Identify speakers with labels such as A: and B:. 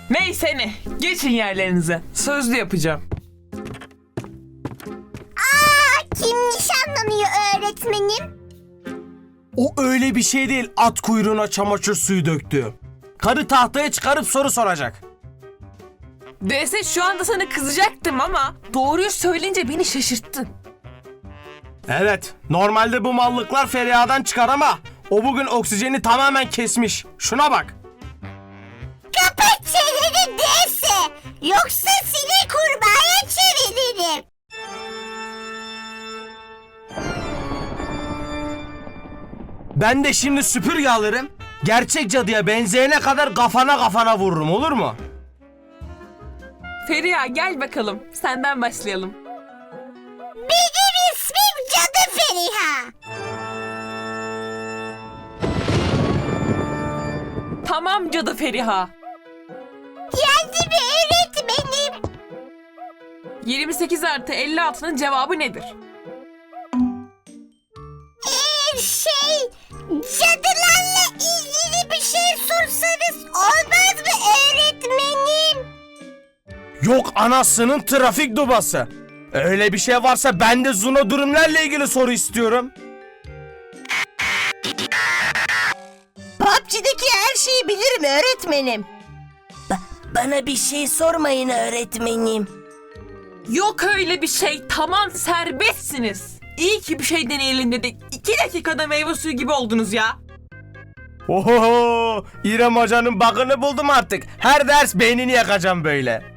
A: Neyse ne. Geçin yerlerinize. Sözlü yapacağım.
B: Kim nişanlanıyor öğretmenim?
C: O öyle bir şey değil, at kuyruğuna çamaşır suyu döktü. Karı tahtaya çıkarıp soru soracak.
A: DS şu anda sana kızacaktım ama doğruyu söyleyince beni şaşırttın.
C: Evet, normalde bu mallıklar Feriha'dan çıkar ama o bugün oksijeni tamamen kesmiş. Şuna bak.
B: Kapat çeneni DS. Yoksa seni kurbağaya çeviririm.
C: Ben de şimdi süpürge alırım. Gerçek cadıya benzeyene kadar kafana vururum, olur mu?
A: Feriha gel bakalım. Senden başlayalım.
B: Benim ismim Cadı Feriha.
A: Tamam Cadı Feriha.
B: Geldi mi öğretmenim?
A: 28 artı 56'nın cevabı nedir?
B: Cadılarla ilgili bir şey sorsanız olmaz mı öğretmenim?
C: Yok anasının trafik dubası. Öyle bir şey varsa ben de Zuno durumlarla ilgili soru istiyorum.
D: PUBG'deki her şeyi bilirim öğretmenim. Bana bir şey sormayın öğretmenim.
A: Yok öyle bir şey. Tamam serbestsiniz. İyi ki bir şey deneyelim dedik. 2 dakikada meyve suyu gibi oldunuz ya.
C: Oho, İrem Hoca'nın bakını buldum artık. Her ders beynini yakacağım böyle.